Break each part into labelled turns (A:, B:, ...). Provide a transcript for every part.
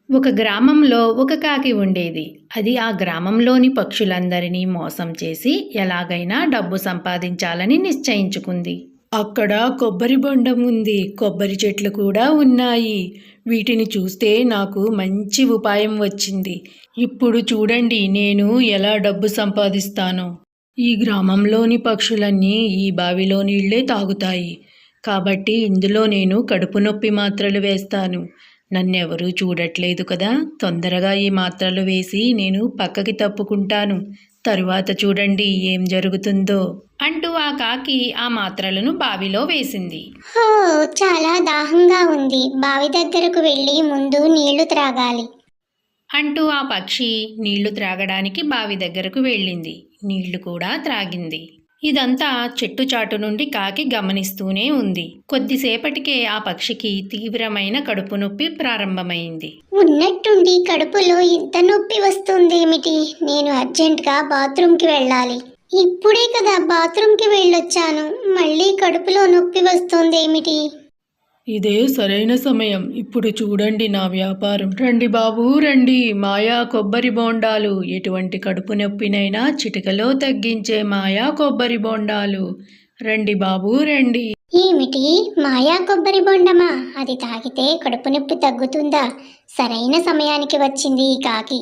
A: ఒక గ్రామంలో ఒక కాకి ఉండేది. అది ఆ గ్రామంలోని పక్షులందరినీ మోసం చేసి ఎలాగైనా డబ్బు సంపాదించాలని నిశ్చయించుకుంది. అక్కడ కొబ్బరి బొండం ఉంది. కొబ్బరి చెట్లు కూడా ఉన్నాయి. వీటిని చూస్తే నాకు మంచి ఉపాయం వచ్చింది. ఇప్పుడు చూడండి నేను ఎలా డబ్బు సంపాదిస్తానో. ఈ గ్రామంలోని పక్షులన్నీ ఈ బావిలో నీళ్లే తాగుతాయి. కాబట్టి ఇందులో నేను కడుపు నొప్పి మాత్రలు వేస్తాను. నన్నెవరూ చూడట్లేదు కదా! తొందరగా ఈ మాత్రలు వేసి నేను పక్కకి తప్పుకుంటాను. తరువాత చూడండి ఏం జరుగుతుందో అంటూ ఆ కాకి ఆ మాత్రలను బావిలో వేసింది.
B: హో, చాలా దాహంగా ఉంది. బావి దగ్గరకు వెళ్ళి ముందు నీళ్లు త్రాగాలి.
A: అంటూ ఆ పక్షి నీళ్లు త్రాగడానికి బావి దగ్గరకు వెళ్ళింది. నీళ్లు కూడా త్రాగింది. ఇదంతా చెట్టు చాటు నుండి కాకి గమనిస్తూనే ఉంది. కొద్దిసేపటికే ఆ పక్షికి తీవ్రమైన కడుపు నొప్పి ప్రారంభమైంది.
B: ఉన్నట్టుండి కడుపులో ఇంత నొప్పి వస్తుందేమిటి? నేను అర్జెంటుగా బాత్రూంకి వెళ్ళాలి. ఇప్పుడే కదా బాత్రూంకి వెళ్ళొచ్చాను. మళ్ళీ కడుపులో నొప్పి వస్తుందేమిటి?
A: ఇదే సరైన సమయం. ఇప్పుడు చూడండి నా వ్యాపారం. రండి బాబూ రండి. మాయా కొబ్బరి బోండాలు. ఎటువంటి కడుపు నొప్పినైనా చిటికలో తగ్గించే మాయా కొబ్బరి బోండాలు. రండి బాబూ రండి.
B: ఏమిటి, మాయా కొబ్బరి బొండమా? అది తాగితే కడుపు నొప్పి తగ్గుతుందా? సరైన సమయానికి వచ్చింది ఈ కాకి.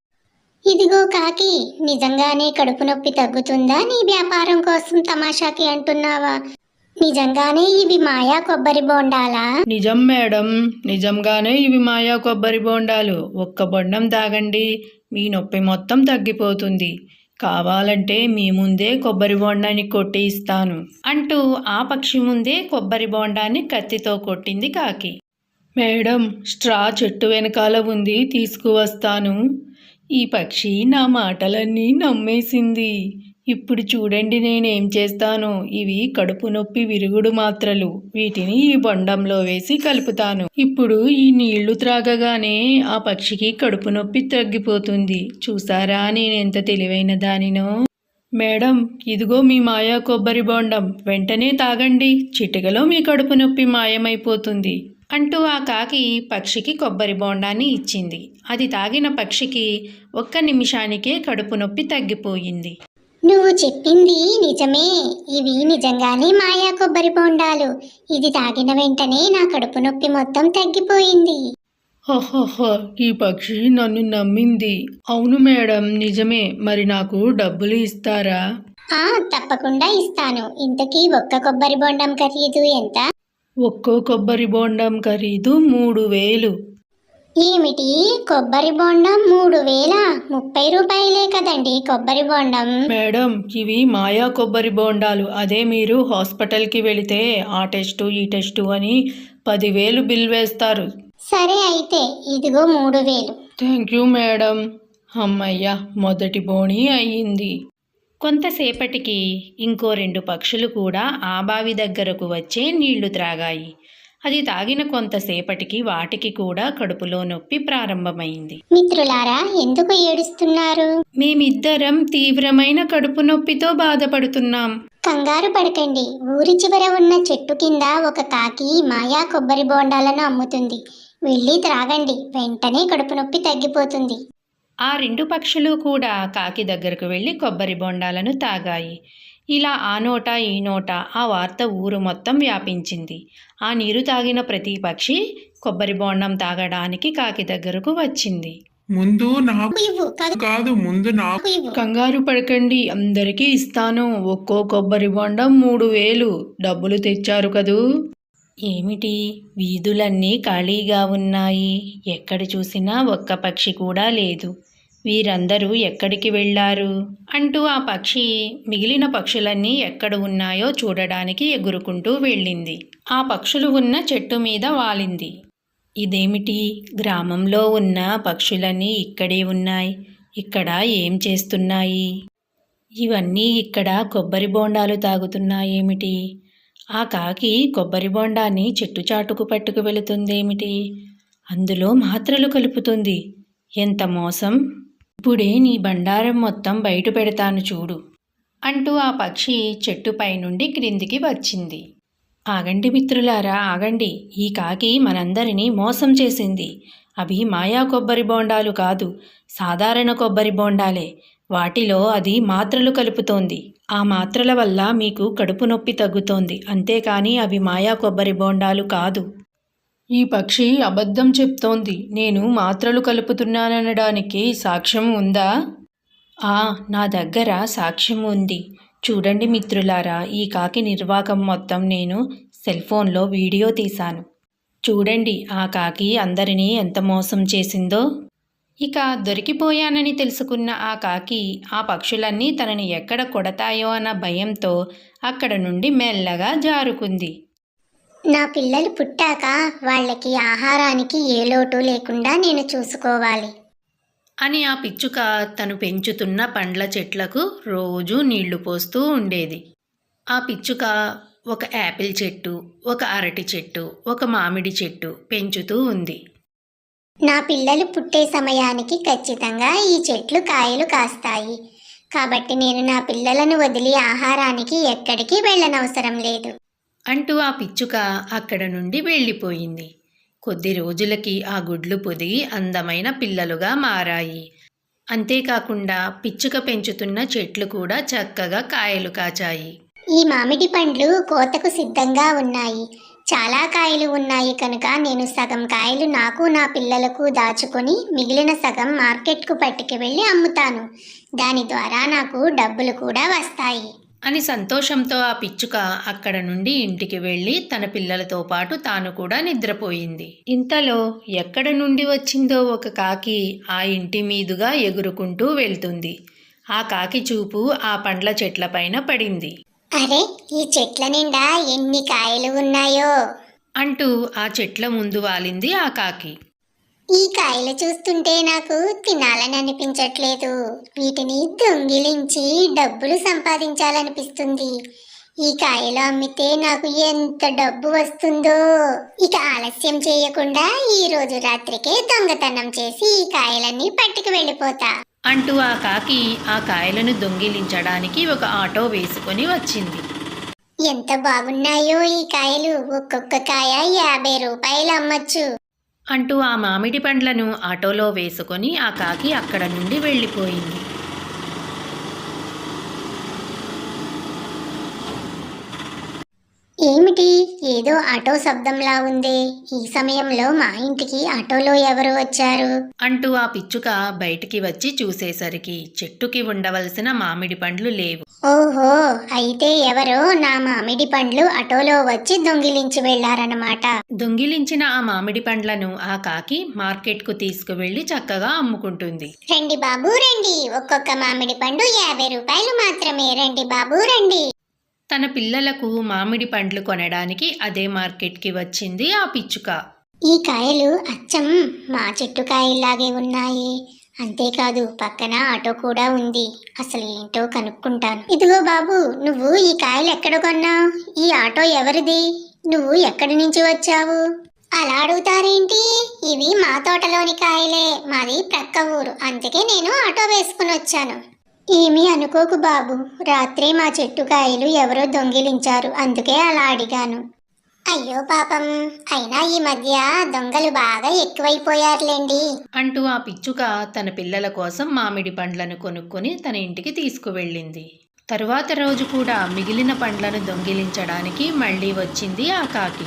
B: ఇదిగో కాకి, నిజంగానే కడుపు నొప్పి తగ్గుతుందా? నీ వ్యాపారం కోసం తమాషాకి అంటున్నావా? నిజంగానే ఇవి మాయా కొబ్బరి బోండాలా?
A: నిజం మేడం, నిజంగానే ఇవి మాయా కొబ్బరి బోండాలు. ఒక్క బొండం తాగండి, మీ నొప్పి మొత్తం తగ్గిపోతుంది. కావాలంటే మీ ముందే కొబ్బరి బోండాన్ని కొట్టి ఇస్తాను అంటూ ఆ పక్షి ముందే కొబ్బరి బోండాన్ని కత్తితో కొట్టింది కాకి. మేడం, స్ట్రా చెట్టు వెనకాల ఉంది, తీసుకువస్తాను. ఈ పక్షి నా మాటలన్నీ నమ్మేసింది. ఇప్పుడు చూడండి నేనేం చేస్తాను. ఇవి కడుపు నొప్పి విరుగుడు మాత్రలు. వీటిని ఈ బొండంలో వేసి కలుపుతాను. ఇప్పుడు ఈ నీళ్లు త్రాగగానే ఆ పక్షికి కడుపు నొప్పి తగ్గిపోతుంది. చూసారా నేనెంత తెలివైన దానినో. మేడం, ఇదిగో మీ మాయా కొబ్బరి బొండం. వెంటనే తాగండి, చిటికలో మీ కడుపు నొప్పి మాయమైపోతుంది అంటూ ఆ కాకి పక్షికి కొబ్బరి బోండాన్ని ఇచ్చింది. అది తాగిన పక్షికి ఒక్క నిమిషానికే కడుపు నొప్పి తగ్గిపోయింది.
B: నువ్వు చెప్పింది నిజమే. ఇవి నిజంగానే మాయా కొబ్బరి బొండాలు. ఇది తాగిన వెంటనే నా కడుపు నొప్పి మొత్తం తగ్గిపోయింది.
A: హహహ, ఈ పక్షి నన్ను నమ్మింది. అవును మేడం, నిజమే. మరి నాకు డబ్బులు ఇస్తారా?
B: తప్పకుండా ఇస్తాను. ఇంతకీ ఒక్క కొబ్బరి బొండం ఖరీదు ఎంత?
A: ఒక్కో కొబ్బరి బోండం ఖరీదు 3000.
B: ఏమిటి, కొబ్బరి బొండం 3000? 30 రూపాయలే కదండి కొబ్బరి బొండం.
A: మేడం, ఇవి మాయా కొబ్బరి బోండాలు. అదే మీరు హాస్పిటల్కి వెళితే ఆ టెస్టు ఈ టెస్టు అని 10,000 బిల్ వేస్తారు.
B: సరే అయితే ఇదిగో 3000.
A: Thank you madam. అమ్మయ్య, మొదటి బోణి అయ్యింది. కొంతసేపటికి ఇంకో 2 పక్షులు కూడా ఆ బావి దగ్గరకు వచ్చే నీళ్లు త్రాగాయి. అది తాగిన కొంతసేపటికి వాటికి కూడా కడుపులో నొప్పి ప్రారంభమైంది.
B: మిత్రులారా, ఎందుకు ఏడుస్తున్నారు?
A: మేమిద్దరం తీవ్రమైన కడుపు నొప్పితో బాధపడుతున్నాం.
B: కంగారు పడకండి. ఊరి చివర ఉన్న చెట్టు కింద ఒక కాకి మాయా కొబ్బరి బోండాలను అమ్ముతుంది. వెళ్ళి త్రాగండి, వెంటనే కడుపు నొప్పి తగ్గిపోతుంది.
A: ఆ 2 పక్షులు కూడా కాకి దగ్గరకు వెళ్ళి కొబ్బరి బొండాలను తాగాయి. ఇలా ఆ నోట ఈ నోట ఆ వార్త ఊరు మొత్తం వ్యాపించింది. ఆ నీరు తాగిన ప్రతి పక్షి కొబ్బరి బొండం తాగడానికి కాకి దగ్గరకు వచ్చింది.
C: ముందు నాకు
B: ఇవ్వు,
C: కాదు, ముందు నాకు
B: ఇవ్వు.
A: కంగారు పడకండి, అందరికీ ఇస్తాను. ఒక్కో కొబ్బరి బొండం 3000. డబ్బులు తెచ్చారు కదూ? ఏమిటి, వీధులన్నీ ఖాళీగా ఉన్నాయి. ఎక్కడ చూసినా ఒక్క పక్షి కూడా లేదు. వీరందరూ ఎక్కడికి వెళ్ళారు అంటూ ఆ పక్షి మిగిలిన పక్షులన్నీ ఎక్కడ ఉన్నాయో చూడడానికి ఎగురుకుంటూ వెళ్ళింది. ఆ పక్షులు ఉన్న చెట్టు మీద వాలింది. ఇదేమిటి, గ్రామంలో ఉన్న పక్షులన్నీ ఇక్కడే ఉన్నాయి. ఇక్కడ ఏం చేస్తున్నాయి? ఇవన్నీ ఇక్కడ కొబ్బరి బోండాలు తాగుతున్నాయేమిటి? ఆ కాకి కొబ్బరి బోండాన్ని చెట్టు చాటుకు పట్టుకు వెళుతుందేమిటి? అందులో మాత్రలు కలుపుతుంది. ఎంత మోసం! ఇప్పుడే నీ బండారం మొత్తం బయట పెడతాను చూడు అంటూ ఆ పక్షి చెట్టుపై నుండి క్రిందికి వచ్చింది. ఆగండి మిత్రులారా, ఆగండి. ఈ కాకి మనందరినీ మోసం చేసింది. అవి మాయా కొబ్బరి బోండాలు కాదు, సాధారణ కొబ్బరి బోండాలే. వాటిలో అది మాత్రలు కలుపుతోంది. ఆ మాత్రల వల్ల మీకు కడుపు నొప్పి తగ్గుతోంది, అంతేకాని అవి మాయా కొబ్బరి బోండాలు కాదు. ఈ పక్షి అబద్ధం చెప్తోంది. నేను మాత్రలు కలుపుతున్నాననడానికి సాక్ష్యం ఉందా? నా దగ్గర సాక్ష్యం ఉంది. చూడండి మిత్రులారా, ఈ కాకి నిర్వాకం మొత్తం నేను సెల్ఫోన్లో వీడియో తీశాను. చూడండి ఆ కాకి అందరినీ ఎంత మోసం చేసిందో. ఇక దొరికిపోయానని తెలుసుకున్న ఆ కాకి ఆ పక్షులన్నీ తనని ఎక్కడ కొడతాయో అన్న భయంతో అక్కడ నుండి మెల్లగా జారుకుంది.
B: నా పిల్లలు పుట్టాక వాళ్ళకి ఆహారానికి ఏ లోటు లేకుండా నేను చూసుకోవాలి
A: అని ఆ పిచ్చుక తను పెంచుతున్న పండ్ల చెట్లకు రోజూ నీళ్లు పోస్తూ ఉండేది. ఆ పిచ్చుక ఒక యాపిల్ చెట్టు, ఒక అరటి చెట్టు, ఒక మామిడి చెట్టు పెంచుతూ ఉంది.
B: నా పిల్లలు పుట్టే సమయానికి ఖచ్చితంగా ఈ చెట్లు కాయలు కాస్తాయి. కాబట్టి నేను నా పిల్లలను వదిలి ఆహారానికి ఎక్కడికి వెళ్ళనవసరం లేదు
A: అంటూ ఆ పిచ్చుక అక్కడ నుండి వెళ్ళిపోయింది. కొద్ది రోజులకి ఆ గుడ్లు పొదిగి అందమైన పిల్లలుగా మారాయి. అంతేకాకుండా పిచ్చుక పెంచుతున్న చెట్లు కూడా చక్కగా కాయలు కాచాయి.
B: ఈ మామిడి పండ్లు కోతకు సిద్ధంగా ఉన్నాయి. చాలా కాయలు ఉన్నాయి కనుక నేను సగం కాయలు నాకు నా పిల్లలకు దాచుకొని మిగిలిన సగం మార్కెట్కు పట్టుకు వెళ్ళి అమ్ముతాను. దాని ద్వారా నాకు డబ్బులు కూడా వస్తాయి
A: అని సంతోషంతో ఆ పిచ్చుక అక్కడ నుండి ఇంటికి వెళ్ళి తన పిల్లలతో పాటు తాను కూడా నిద్రపోయింది. ఇంతలో ఎక్కడ నుండి వచ్చిందో ఒక కాకి ఆ ఇంటి మీదుగా ఎగురుకుంటూ వెళ్తుంది. ఆ కాకి చూపు ఆ పండ్ల చెట్లపైన పడింది.
B: అరే, ఈ చెట్ల నిండా ఎన్ని కాయలు ఉన్నాయో
A: అంటూ ఆ చెట్ల ముందు వాలింది ఆ కాకి.
B: ఈ కాయలు చూస్తుంటే నాకు తినాలని అనిపించట్లేదు. వీటిని దొంగిలించి డబ్బులు సంపాదించాలనిపిస్తుంది. ఈ కాయలు అమ్మితే నాకు ఎంత డబ్బు వస్తుందో. ఇక ఆలస్యం చేయకుండా ఈ రోజు రాత్రికే దొంగతనం చేసి ఈ కాయలన్నీ పట్టుకు వెళ్ళిపోతా
A: అంటూ ఆ కాకి ఆ కాయలను దొంగిలించడానికి ఒక ఆటో వేసుకొని వచ్చింది.
B: ఎంత బాగున్నాయో ఈ కాయలు. ఒక్కొక్క కాయ 50 రూపాయలు అమ్మచ్చు
A: అంటూ ఆ మామిడి పండ్లను ఆటోలో వేసుకొని ఆ కాకి అక్కడ నుండి వెళ్ళిపోయింది.
B: ఏమిటి, ఏదో ఆటో శబ్దంలా ఉంది. ఈ సమయంలో మా ఇంటికి ఆటోలో ఎవరు వచ్చారు
A: అంటూ ఆ పిచ్చుక బయటికి వచ్చి చూసేసరికి చెట్టుకి ఉండవలసిన మామిడి పండ్లు లేవు.
B: ఓహో, అయితే ఎవరో నా మామిడి పండ్లు ఆటోలో వచ్చి దొంగిలించి వెళ్లారన్నమాట.
A: దొంగిలించిన ఆ మామిడి పండ్లను ఆ కాకి మార్కెట్కు తీసుకువెళ్లి చక్కగా అమ్ముకుంటుంది.
B: రండి బాబు రండి, ఒక్కొక్క మామిడి పండు 50 రూపాయలు మాత్రమే. రండి బాబు రండి.
A: తన పిల్లలకు మామిడి పండ్లు కొనడానికి అదే మార్కెట్కి వచ్చింది ఆ పిచ్చుక.
B: ఈ కాయలు అచ్చం మా చెట్టు కాయల్లాగే ఉన్నాయి. అంతేకాదు పక్కన ఆటో కూడా ఉంది. అసలు ఏంటో కనుక్కుంటాను. ఇదిగో బాబు, నువ్వు ఈ కాయలు ఎక్కడ కొన్నావు? ఈ ఆటో ఎవరిది? నువ్వు ఎక్కడి నుంచి వచ్చావు? అలా అడుగుతారేంటి? ఇవి మా తోటలోని కాయలే. మాది ప్రక్క ఊరు, అందుకే నేను ఆటో వేసుకుని వచ్చాను. ఏమీ అనుకోకు బాబు, రాత్రి మా చెట్టు కాయలు ఎవరో దొంగిలించారు, అందుకే అలా అడిగాను. అయ్యో పాపం, అయినా ఈ మధ్య దొంగలు బాగా ఎక్కువైపోయారులేండి
A: అంటూ ఆ పిచ్చుక తన పిల్లల కోసం మామిడి పండ్లను కొనుక్కొని తన ఇంటికి తీసుకువెళ్ళింది. తరువాత రోజు కూడా మిగిలిన పండ్లను దొంగిలించడానికి మళ్ళీ వచ్చింది ఆ కాకి.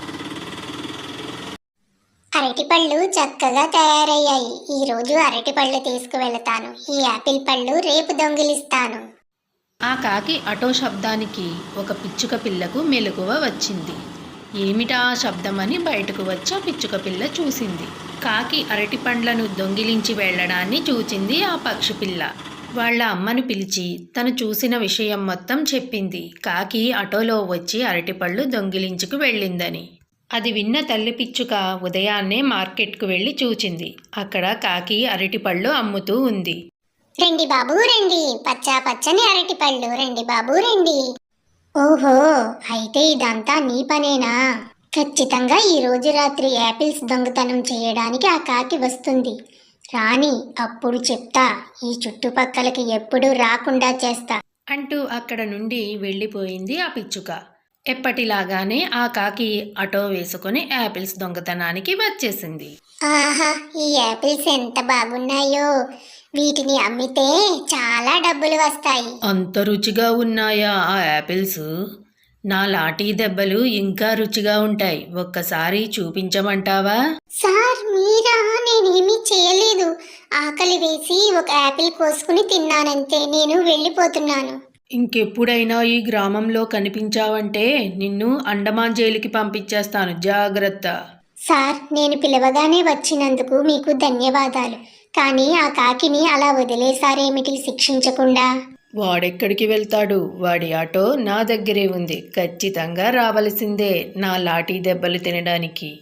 B: అరటి పళ్ళు చక్కగా తయారయ్యాయి. ఈ రోజు అరటి పళ్ళు తీసుకువెళతాను. ఈ యాపిల్ పళ్ళు రేపు దొంగిలిస్తాను.
A: ఆ కాకి ఆటో శబ్దానికి ఒక పిచ్చుక పిల్లకు మెలకువ వచ్చింది. ఏమిటా ఆ శబ్దమని బయటకు వచ్చి ఆ పిచ్చుక పిల్ల చూసింది. కాకి అరటి పండ్లను దొంగిలించి వెళ్ళడాన్ని చూచింది ఆ పక్షి పిల్ల. వాళ్ళ అమ్మను పిలిచి తను చూసిన విషయం మొత్తం చెప్పింది. కాకి ఆటోలో వచ్చి అరటిపళ్ళు దొంగిలించుకు వెళ్ళిందని. అది విన్న తల్లి పిచ్చుక ఉదయాన్నే మార్కెట్కు వెళ్ళి చూచింది. అక్కడ కాకి అరటిపళ్ళు అమ్ముతూ ఉంది.
B: రండి బాబు రండి, పచ్చా పచ్చని అరటి పళ్ళు, రండి బాబు రండి. ఓహో, అయితే ఇదంతా నీ పనేనా? ఖచ్చితంగా ఈ రోజు రాత్రి యాపిల్స్ దొంగతనం చేయడానికి ఆ కాకి వస్తుంది. రాని, అప్పుడు చెప్తా. ఈ చుట్టుపక్కలకి ఎప్పుడూ రాకుండా చేస్తా
A: అంటూ అక్కడ నుండి వెళ్ళిపోయింది ఆ పిచ్చుక. ఎప్పటిలాగానే ఆ కాకి ఆటో వేసుకొని యాపిల్స్ దొంగతనానికి వచ్చేసింది.
B: ఆహా, ఈ యాపిల్స్ ఎంత బాగున్నాయో! వీటిని అమ్మితే చాలా డబ్బులు వస్తాయి.
A: అంత రుచిగా ఉన్నాయా ఆ యాపిల్స్? నా లాఠీ దెబ్బలు ఇంకా రుచిగా ఉంటాయి. ఒక్కసారి చూపించమంటావా?
B: సార్ మీరా? నేనేమీ చేయలేదు. ఆకలి వేసి ఒక యాపిల్ కోసుకుని తిన్నానంతే. నేను వెళ్ళిపోతున్నాను.
A: ఇంకెప్పుడైనా ఈ గ్రామంలో కనిపించావంటే నిన్ను అండమాన్ జైలుకి పంపించేస్తాను, జాగ్రత్త.
B: సార్, నేను పిలవగానే వచ్చినందుకు మీకు ధన్యవాదాలు. కానీ ఆ కాకిని అలా వదిలేశారేమిటి శిక్షించకుండా?
A: వాడెక్కడికి వెళ్తాడు? వాడి ఆటో నా దగ్గరే ఉంది. ఖచ్చితంగా రావలసిందే నా లాఠీ దెబ్బలు తినడానికి.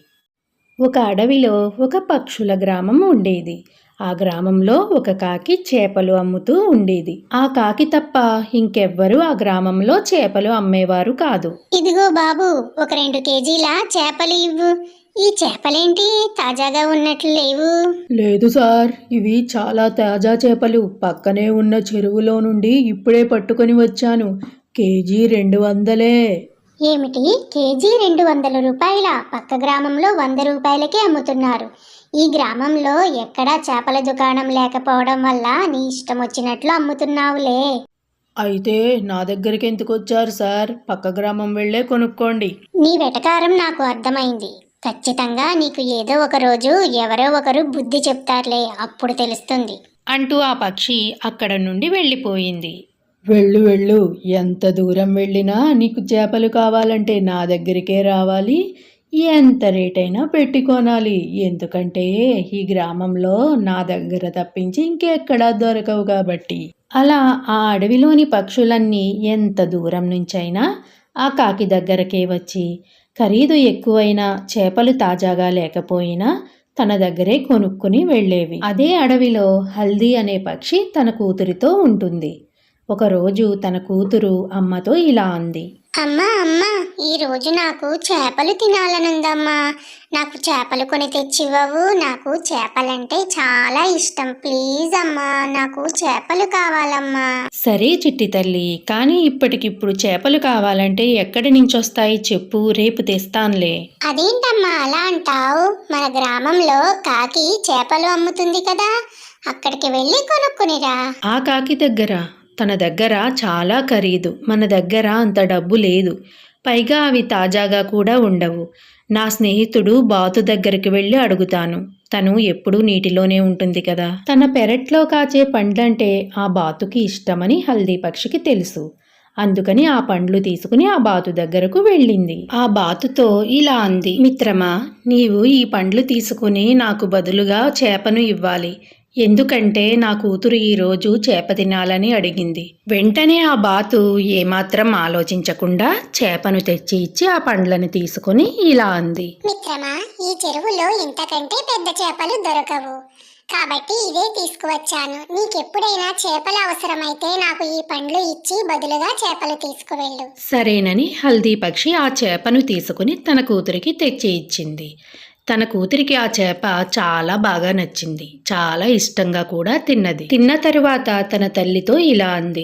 A: ఒక అడవిలో ఒక పక్షుల గ్రామం ఉండేది. ఆ గ్రామంలో ఒక కాకి చేపలు అమ్ముతూ ఉండేది. ఆ కాకి తప్ప ఇంకెవ్వరూ ఆ గ్రామంలో చేపలు అమ్మేవారు కాదు.
B: ఇదిగో బాబు, ఒక 2 కేజీల చేపలు ఇవ్వు. ఈ చేపలేంటి తాజాగా ఉన్నట్లు లేవు?
A: లేదు సార్, ఇవి చాలా తాజా చేపలు. పక్కనే ఉన్న చెరువులో నుండి ఇప్పుడే పట్టుకొని వచ్చాను. కేజీ 200.
B: ఏమిటి, కేజీ 200 రూపాయల? పక్క గ్రామంలో 100 రూపాయలకే అమ్ముతున్నారు. ఈ గ్రామంలో ఎక్కడా చేపల దుకాణం లేకపోవడం వల్ల నీ ఇష్టం వచ్చినట్లు అమ్ముతున్నావులే.
A: అయితే నా దగ్గరికి ఎందుకు వచ్చారు సార్? పక్క గ్రామం వెళ్ళే కొనుక్కోండి.
B: నీ వెటకారం నాకు అర్థమైంది. ఖచ్చితంగా నీకు ఏదో ఒక రోజు ఎవరో ఒకరు బుద్ధి చెప్తారులే, అప్పుడు తెలుస్తుంది
A: అంటూ ఆ పక్షి అక్కడ నుండి వెళ్ళిపోయింది. వెళ్ళు వెళ్ళు, ఎంత దూరం వెళ్ళినా నీకు చేపలు కావాలంటే నా దగ్గరికే రావాలి. ఎంత రేటైనా పెట్టి కొనాలి. ఎందుకంటే ఈ గ్రామంలో నా దగ్గర తప్పించి ఇంకెక్కడా దొరకవు కాబట్టి. అలా ఆ అడవిలోని పక్షులన్నీ ఎంత దూరం నుంచైనా ఆ కాకి దగ్గరకే వచ్చి ఖరీదు ఎక్కువైనా చేపలు తాజాగా లేకపోయినా తన దగ్గరే కొనుక్కుని వెళ్ళేవి. అదే అడవిలో హల్దీ అనే పక్షి తన కూతురితో ఉంటుంది. ఒకరోజు తన కూతురు అమ్మతో ఇలా అంది.
B: అమ్మా, ఈ రోజు నాకు చేపలు తినాలనుందమ్మా. నాకు చేపలు కొని తెచ్చివ్వవు? నాకు చేపలంటే చాలా ఇష్టం. ప్లీజ్ అమ్మా, నాకు చేపలు కావాలమ్మా.
A: సరే చిట్టి తల్లి, కానీ ఇప్పటికిప్పుడు చేపలు కావాలంటే ఎక్కడి నుంచి వస్తాయి చెప్పు, రేపు తెస్తానులే.
B: అదేంటమ్మా అలా అంటావు? మన గ్రామంలో కాకి చేపలు అమ్ముతుంది కదా, అక్కడికి వెళ్ళి కొనుక్కునిరా.
A: ఆ కాకి దగ్గర? తన దగ్గర చాలా ఖరీదు, మన దగ్గర అంత డబ్బు లేదు. పైగా అవి తాజాగా కూడా ఉండవు. నా స్నేహితుడు బాతు దగ్గరికి వెళ్ళి అడుగుతాను. తను ఎప్పుడూ నీటిలోనే ఉంటుంది కదా. తన పెరట్లో కాచే పండ్లంటే ఆ బాతుకి ఇష్టమని హల్దీ పక్షికి తెలుసు. అందుకని ఆ పండ్లు తీసుకుని ఆ బాతు దగ్గరకు వెళ్ళింది. ఆ బాతుతో ఇలా అంది. మిత్రమా, నీవు ఈ పండ్లు తీసుకుని నాకు బదులుగా చేపను ఇవ్వాలి. ఎందుకంటే నా కూతురు ఈరోజు చేప తినాలని అడిగింది. వెంటనే ఆ బాతు ఏమాత్రం ఆలోచించకుండా చేపను తెచ్చి ఇచ్చి ఆ పండ్లను తీసుకుని ఇలా అంది.
B: మిత్రమా, ఈ చెరువులో ఇంతకంటే పెద్ద చేపలు దొరకవు, కాబట్టి ఇదే తీసుకువచ్చాను. నీకెప్పుడైనా చేపలు అవసరమైతే నాకు ఈ పండ్లు ఇచ్చి బదులుగా చేపలు తీసుకువెళ్ళు.
A: సరేనని హల్దీ పక్షి ఆ చేపను తీసుకుని తన కూతురికి తెచ్చి ఇచ్చింది. తన కూతురికి ఆ చేప చాలా బాగా నచ్చింది. చాలా ఇష్టంగా కూడా తిన్నది. తిన్న తరువాత తన తల్లితో ఇలా అంది.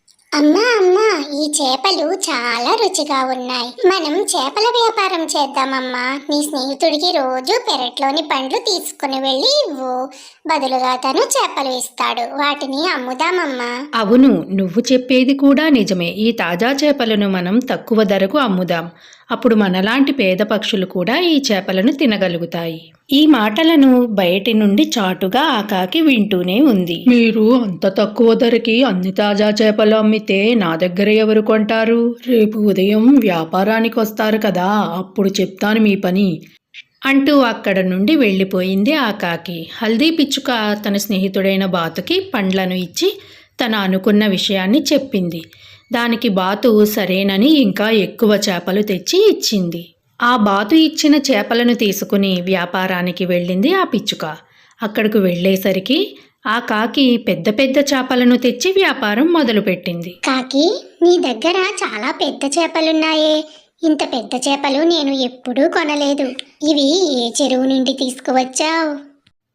B: అమ్మా, ఈ చేపలు చాలా రుచిగా ఉన్నాయి. మనం చేపల వ్యాపారం చేద్దామమ్మా. నీ స్నేహితుడికి రోజు పెరట్లోని పండ్లు తీసుకుని వెళ్ళి ఇవ్వు. బదులుగా తను చేపలు ఇస్తాడు. వాటిని అమ్ముదామమ్మా.
A: అవును, నువ్వు చెప్పేది కూడా నిజమే. ఈ తాజా చేపలను మనం తక్కువ ధరకు అమ్ముదాం. అప్పుడు మనలాంటి పేద పక్షులు కూడా ఈ చేపలను తినగలుగుతాయి. ఈ మాటలను బయటి నుండి చాటుగా ఆ కాకి వింటూనే ఉంది. మీరు అంత తక్కువ ధరకి అన్ని తాజా చేపలు అమ్మితే నా దగ్గర ఎవరు కొంటారు? రేపు ఉదయం వ్యాపారానికి వస్తారు కదా, అప్పుడు చెప్తాను మీ పని అంటూ అక్కడ నుండి వెళ్ళిపోయింది ఆ కాకి. హల్దీ పిచ్చుక తన స్నేహితుడైన బాతుకి పండ్లను ఇచ్చి తన అనుకున్న విషయాన్ని చెప్పింది. దానికి బాతు సరేనని ఇంకా ఎక్కువ చేపలు తెచ్చి ఇచ్చింది. ఆ బాతు ఇచ్చిన చేపలను తీసుకుని వ్యాపారానికి వెళ్ళింది ఆ పిచ్చుక. అక్కడకు వెళ్ళేసరికి ఆ కాకి పెద్ద పెద్ద చేపలను తెచ్చి వ్యాపారం మొదలుపెట్టింది.
B: కాకి, నీ దగ్గర చాలా పెద్ద చేపలున్నాయే. ఇంత పెద్ద చేపలు నేను ఎప్పుడూ కొనలేదు. ఇవి ఏ చెరువు నుండి తీసుకువచ్చావు?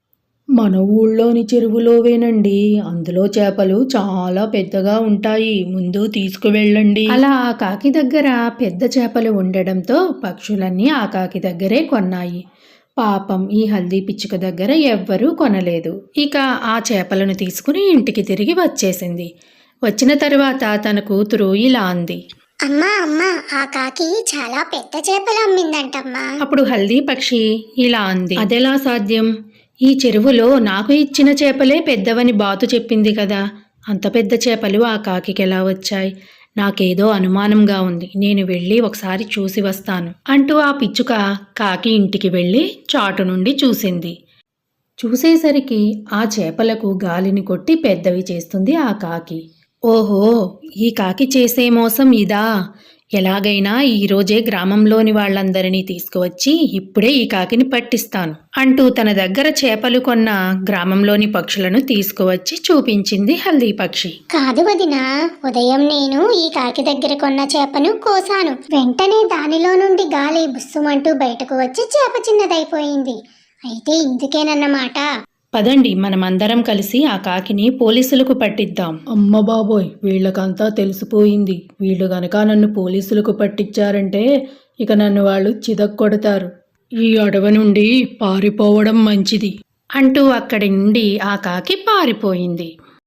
A: మన ఊళ్ళోని చెరువులోవేనండి. అందులో చేపలు చాలా పెద్దగా ఉంటాయి. ముందు తీసుకువెళ్ళండి. అలా ఆ కాకి దగ్గర పెద్ద చేపలు ఉండడంతో పక్షులన్నీ ఆ కాకి దగ్గరే కొన్నాయి. పాపం ఈ హల్దీ పిచ్చుక దగ్గర ఎవ్వరూ కొనలేదు. ఇక ఆ చేపలను తీసుకుని ఇంటికి తిరిగి వచ్చేసింది. వచ్చిన తరువాత తన కూతురు ఇలా అంది.
B: అమ్మా అమ్మా, ఆ కాకి చాలా పెద్ద చేపలు అమ్మిందంటమ్మా.
A: అప్పుడు హల్దీ పక్షి ఇలా అంది. అదెలా సాధ్యం? ఈ చెరువులో నాకు ఇచ్చిన చేపలే పెద్దవని బాతు చెప్పింది కదా. అంత పెద్ద చేపలు ఆ కాకికి ఎలా వచ్చాయి? నాకేదో అనుమానంగా ఉంది. నేను వెళ్ళి ఒకసారి చూసి వస్తాను అంటూ ఆ పిచ్చుక కాకి ఇంటికి వెళ్ళి చాటు నుండి చూసింది. చూసేసరికి ఆ చేపలకు గాలిని కొట్టి పెద్దవి చేస్తుంది ఆ కాకి. ఓహో, ఈ కాకి చేసే మోసం ఇదా? ఎలాగైనా ఈరోజే గ్రామంలోని వాళ్ళందరినీ తీసుకువచ్చి ఇప్పుడే ఈ కాకిని పట్టిస్తాను అంటూ తన దగ్గర చేపలు కొన్న గ్రామంలోని పక్షులను తీసుకువచ్చి చూపించింది హల్దీ పక్షి.
B: కాదు వదినా, ఉదయం నేను ఈ కాకి దగ్గర కొన్న చేపను కోసాను. వెంటనే దానిలో నుండి గాలి బుస్సుమంటూ బయటకు వచ్చి చేప చిన్నదైపోయింది. అయితే ఇందుకేనన్నమాట.
A: పదండి, మనమందరం కలిసి ఆ కాకిని పోలీసులకు పట్టిద్దాం. అమ్మ బాబోయ్, వీళ్ళకంతా తెలిసిపోయింది. వీళ్ళు గనక నన్ను పోలీసులకు పట్టించారంటే ఇక నన్ను వాళ్ళు చితక్కొడతారు. ఈ అడవి నుండి పారిపోవడం మంచిది అంటూ అక్కడి నుండి ఆ కాకి పారిపోయింది.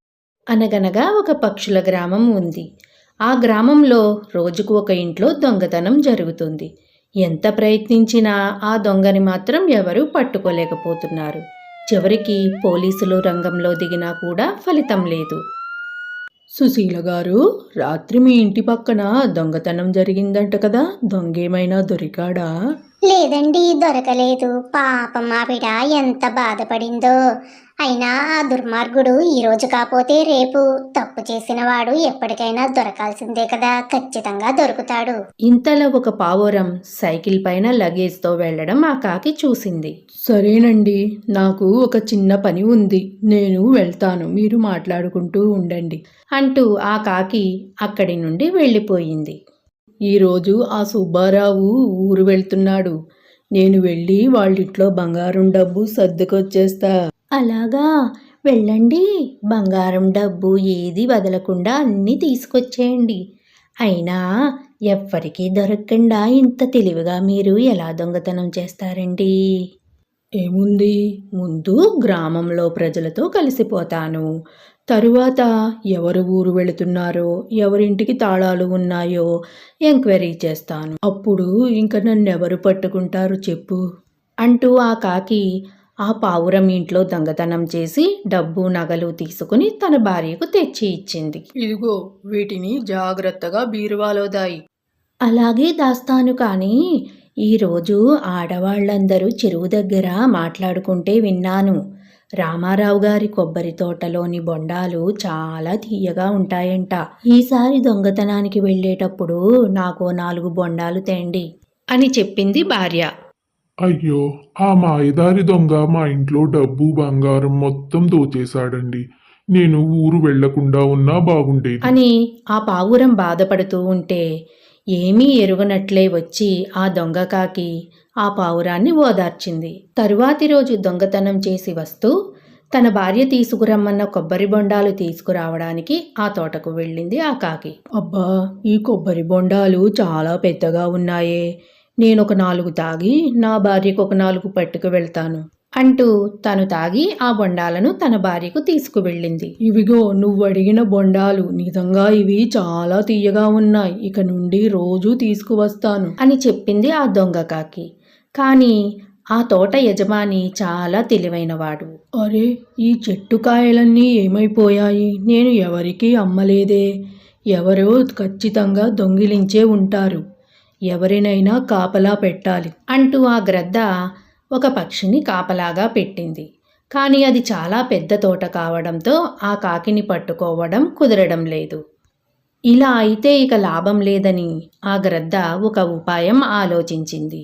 A: అనగనగా ఒక పక్షుల గ్రామం ఉంది. ఆ గ్రామంలో రోజుకు ఒక ఇంట్లో దొంగతనం జరుగుతుంది. ఎంత ప్రయత్నించినా ఆ దొంగని మాత్రం ఎవరూ పట్టుకోలేకపోతున్నారు. చివరికి పోలీసులు రంగంలో దిగినా కూడా ఫలితం లేదు. సుశీల గారు, రాత్రి మీ ఇంటి పక్కన దొంగతనం జరిగిందంట కదా. దొంగేమైనా దొరికాడా?
B: లేదండి, దొరకలేదు. పాపం ఆవిడ ఎంత బాధపడిందో. అయినా ఆ దుర్మార్గుడు ఈ రోజు కాపోతే రేపు తప్పు చేసిన వాడు ఎప్పటికైనా దొరకాల్సిందే కదా. ఖచ్చితంగా దొరుకుతాడు.
A: ఇంతలో ఒక పావురం సైకిల్ పైన లగేజ్తో వెళ్లడం ఆ కాకి చూసింది. సరేనండి, నాకు ఒక చిన్న పని ఉంది. నేను వెళ్తాను, మీరు మాట్లాడుకుంటూ ఉండండి అంటూ ఆ కాకి అక్కడి నుండి వెళ్ళిపోయింది. ఈరోజు ఆ సుబ్బారావు ఊరు వెళ్తున్నాడు. నేను వెళ్ళి వాళ్ళింట్లో బంగారం డబ్బు సర్దుకొచ్చేస్తా. అలాగా, వెళ్ళండి. బంగారం డబ్బు ఏది వదలకుండా అన్నీ తీసుకొచ్చేయండి. అయినా ఎవ్వరికీ దొరకకుండా ఇంత తెలివిగా మీరు ఎలా దొంగతనం చేస్తారండి? ఏముంది, ముందు గ్రామంలో ప్రజలతో కలిసిపోతాను. తరువాత ఎవరు ఊరు వెళుతున్నారో, ఎవరింటికి తాళాలు ఉన్నాయో ఎంక్వైరీ చేస్తాను. అప్పుడు ఇంక నన్నెవరు పట్టుకుంటారు చెప్పు అంటూ ఆ కాకి ఆ పావురం ఇంట్లో దొంగతనం చేసి డబ్బు నగలు తీసుకుని తన భార్యకు తెచ్చి ఇచ్చింది. ఇదిగో, వీటిని జాగ్రత్తగా బీరువాలో దాయి. అలాగే దాస్తాను. కానీ ఈరోజు ఆడవాళ్లందరూ చెరువు దగ్గర మాట్లాడుకుంటే విన్నాను. రామారావు గారి కొబ్బరి తోటలోని బొండాలు చాలా తీయగా ఉంటాయంట. ఈసారి దొంగతనానికి వెళ్ళేటప్పుడు నాకు 4 బొండాలు తేండి అని చెప్పింది భార్య.
C: అయ్యో, ఆ మాయదారి దొంగ మా ఇంట్లో డబ్బు బంగారం మొత్తం దోచేశాడండి. నేను ఊరు వెళ్లకుండా ఉన్నా బాగుండేది
A: అని ఆ పావురం బాధపడుతూ ఉంటే ఏమీ ఎరుగనట్లే వచ్చి ఆ దొంగ కాకి ఆ పావురాన్ని ఓదార్చింది. తరువాతి రోజు దొంగతనం చేసి వస్తూ తన భార్య తీసుకురమ్మన్న కొబ్బరి బొండాలు తీసుకురావడానికి ఆ తోటకు వెళ్ళింది ఆ కాకి. అబ్బా, ఈ కొబ్బరి బొండాలు చాలా పెద్దగా ఉన్నాయే. నేనొక 4 తాగి నా భార్యకు ఒక 4 పట్టుకు వెళ్తాను అంటూ తను తాగి ఆ బొండాలను తన భార్యకు తీసుకువెళ్ళింది. ఇవిగో, నువ్వు అడిగిన బొండాలు. నిజంగా ఇవి చాలా తీయగా ఉన్నాయి. ఇక నుండి రోజూ తీసుకువస్తాను అని చెప్పింది ఆ దొంగ కాకి. కానీ ఆ తోట యజమాని చాలా తెలివైనవాడు. అరే, ఈ చెట్టు కాయలన్నీ ఏమైపోయాయి? నేను ఎవరికీ అమ్మలేదే. ఎవరో ఖచ్చితంగా దొంగిలించే ఉంటారు. ఎవరినైనా కాపలా పెట్టాలి అంటూ ఆ గ్రద్ద ఒక పక్షిని కాపలాగా పెట్టింది. కానీ అది చాలా పెద్ద తోట కావడంతో ఆ కాకిని పట్టుకోవడం కుదరడం లేదు. ఇలా అయితే ఇక లాభం లేదని ఆ గ్రద్ద ఒక ఉపాయం ఆలోచించింది.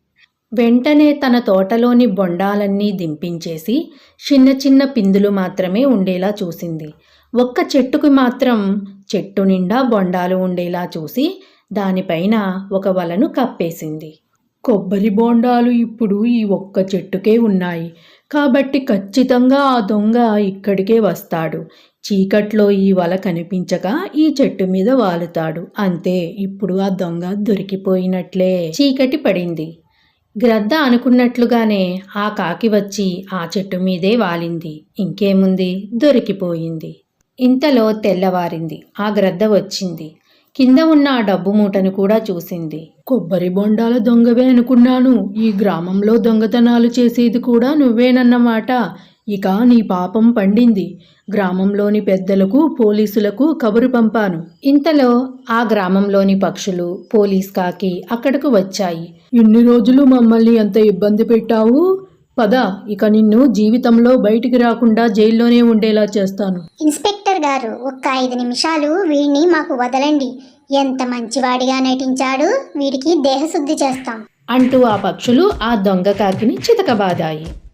A: వెంటనే తన తోటలోని బొండాలన్నీ దింపించేసి చిన్న చిన్న పిందులు మాత్రమే ఉండేలా చూసింది. ఒక్క చెట్టుకు మాత్రం చెట్టు నిండా బొండాలు ఉండేలా చూసి దానిపైన ఒక వలను కప్పేసింది. కొబ్బరి బోండాలు ఇప్పుడు ఈ ఒక్క చెట్టుకే ఉన్నాయి కాబట్టి ఖచ్చితంగా ఆ దొంగ ఇక్కడికే వస్తాడు. చీకట్లో ఈ వల కనిపించక ఈ చెట్టు మీద వాలుతాడు. అంతే, ఇప్పుడు ఆ దొంగ దొరికిపోయినట్లే. చీకటి పడింది. గ్రద్ద అనుకున్నట్లుగానే ఆ కాకి వచ్చి ఆ చెట్టు మీదే వాలింది. ఇంకేముంది, దొరికిపోయింది. ఇంతలో తెల్లవారింది. ఆ గ్రద్ద వచ్చింది. కింద ఉన్న ఆ డబ్బు మూటను కూడా చూసింది. కొబ్బరి బొండాల దొంగవే అనుకున్నాను. ఈ గ్రామంలో దొంగతనాలు చేసేది కూడా నువ్వేనన్నమాట. ఇక నీ పాపం పండింది. గ్రామంలోని పెద్దలకు, పోలీసులకు కబురు పంపాను. ఇంతలో ఆ గ్రామంలోని పక్షులు, పోలీస్ కాకి అక్కడకు వచ్చాయి. ఇన్ని రోజులు మమ్మల్ని ఎంత ఇబ్బంది పెట్టావు. పద, ఇక నిన్ను జీవితంలో బయటికి రాకుండా జైల్లోనే ఉండేలా చేస్తాను.
B: ఇన్స్పెక్టర్ గారు, ఒక్క 5 నిమిషాలు వీడిని మాకు వదలండి. ఎంత మంచివాడిగా నటించాడు. వీడికి దేహశుద్ధి చేస్తాం
A: అంటూ ఆ పక్షులు ఆ దొంగ కాకిని చితకబాదాయి.